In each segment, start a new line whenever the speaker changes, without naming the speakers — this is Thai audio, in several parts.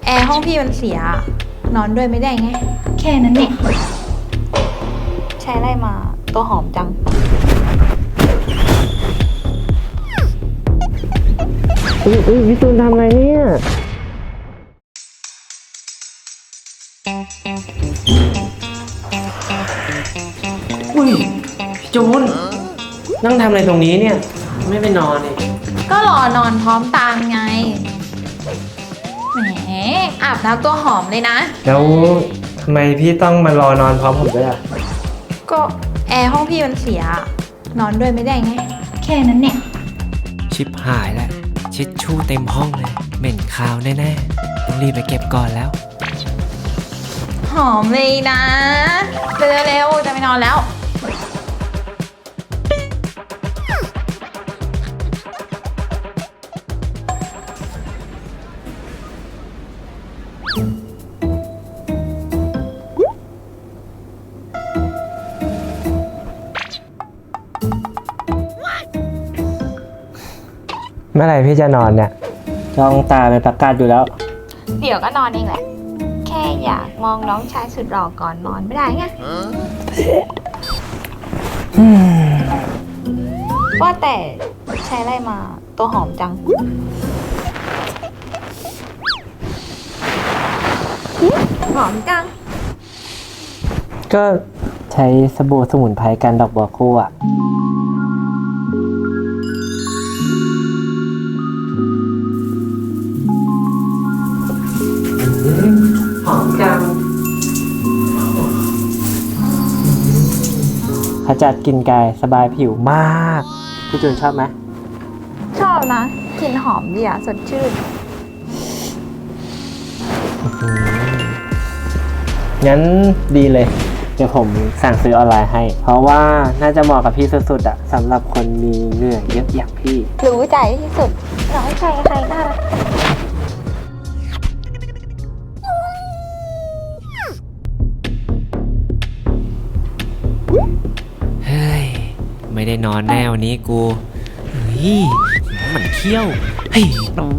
แอร์ห้องพี่มันเสีย นอนด้วยไม่ได้ไง แค่นั้นเนี่ยใช้อะไรมาตัวหอมจัง
พี่ตูนทำอะไรเนี่ยพี่จูนนั่งทำอะไรตรงนี้เนี่ยไม่ไปนอนเลย
ก็รอนอนพร้อมตามไง แหมอาบน้ำตัวหอมเลยนะ
แล้วทำไมพี่ต้องมารอนอนพร้อมผมด้วยอ่ะ
ก็แอร์ห้องพี่มันเสีย นอนด้วยไม่ได้ไง แค่นั้นเนี่ย
ชิบหายแล้วชิดชู่เต็มห้องเลย เหม็นคาวแน่ๆต้องรีบไปเก็บก่อนแล้ว
หอมเลยนะเร็วๆจะไปนอนแล้ว
เมื่อไหร่พี่จะนอนเนี่ยจ้องตาเป็นประกาศอยู่แล้ว
เดี๋ยวก็นอนเองแหละ แค่อยากมองน้องชายสุดหล่อก่อนนอนไม่ได้ไงว่าแต่ใช้อะไรมาตัวหอมจัง หอมจัง
ก็ใช้สบู่สมุนไพรกันดอกบัวคู่อ่ะหอมจังขจัดกลิ่นกายสบายผิวมาก พี่จูนชอบไหม
ชอบนะกลิ่นหอมดีอ่ะสดชื่น
งั้นดีเลย เดี๋ยวผมสั่งซื้อออนไลน์ให้ เพราะว่าน่าจะเหมาะกับพี่สุดๆอะสำหรับคนมีเหงื่อเยอะอย่างพี่
รู้ใจที่สุดน้องชายใครน่ารัก
เฮ้ย ไม่ได้นอนแน่วันนี้กู เฮ้ยมันเขี้ยว เฮ้ย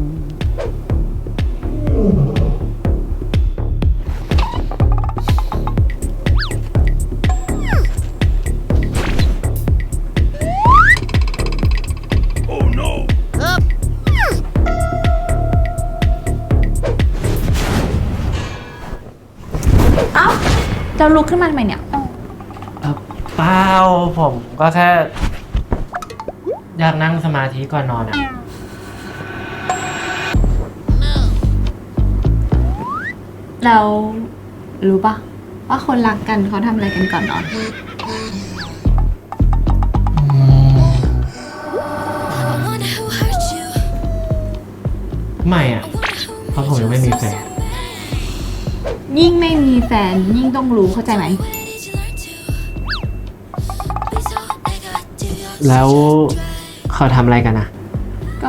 เอ้าจะลุกขึ้นมาทำไมเนี่ย
เปล่าผมก็แค่ อยากนั่งสมาธิก่อนนอนอะ
เรารู้ปะว่าคนรักกันเขาทำอะไรกันก่อนนอน
ไม่อะเพราะผมยังไม่มีแฟน
ยิ่งไม่มีแฟนยิ่งต้องรู้เข้าใจไหม
แล้วเขาทำอะไรกันอะ
ก็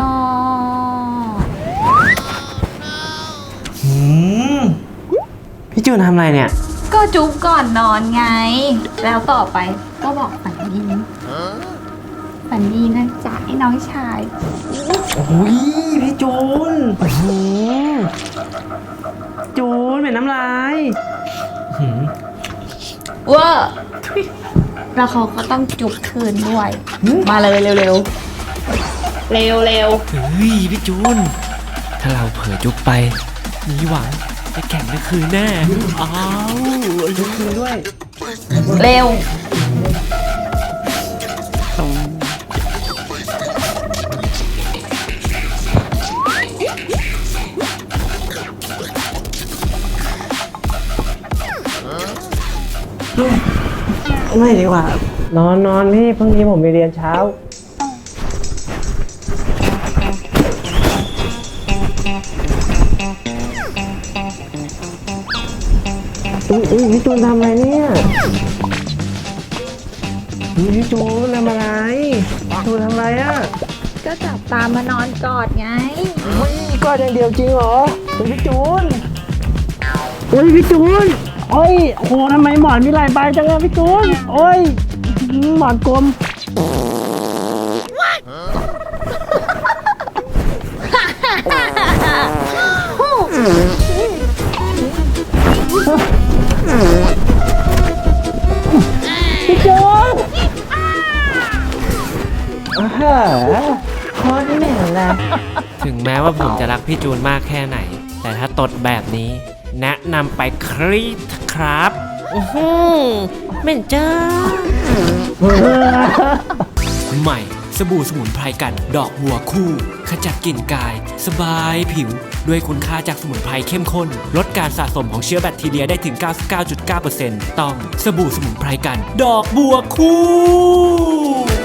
พี่จูนทำอะไรเนี่ย
ก็จุ๊บก่อนนอนไง แล้วต่อไปก็บอกฝันดีฝันดีนะจ๊ะไอ้น้องชาย
โอ้ยพี่จูนจูนเป็นน้ำลายหืม
เวอร์แล้วเขาก็ต้องจุ๊บคืนด้วย มาเลยเร็วๆ เร็ว
เฮ้ย พี่จูน ถ้าเราเผลอจุกไป มีหวังจะแข่งในคืนแน่ อ้าวลุกขึ้นด้วย
เร็ว
ไม่ดีกว่า นอนพี่พรุ่งนี้ผมไปเรียนเช้า อุ้ยพี่จูนทำอะไรเนี่ยพี่จูนทำอะไรจูนทำอะไรอ่ะ
ก็จับตามานอนกอดไง
กอดอย่างเดียวจริงเหรอพี่จูนพี่จูนโอ้ยโหทำไมหมอนมีหลายใบจังอะพี่จูนโอ้ยหมอนกลม
What?
โคตรเหม็นเลย
ถึงแม้ว่าผมจะรักพี่จูนมากแค่ไหน แต่ถ้าตดแบบนี้ แนะนำไปครีดครับเหม็นจ้า ใหม่สบู่สมุนไพรกันดอกบัวคู่ ขจัดกลิ่นกาย สบายผิว ด้วยคุณค่าจากสมุนไพรเข้มข้น ลดการสะสมของเชื้อแบคทีเรียได้ถึง 99.9% ต้องสบู่สมุนไพรกัน ดอกบัวคู่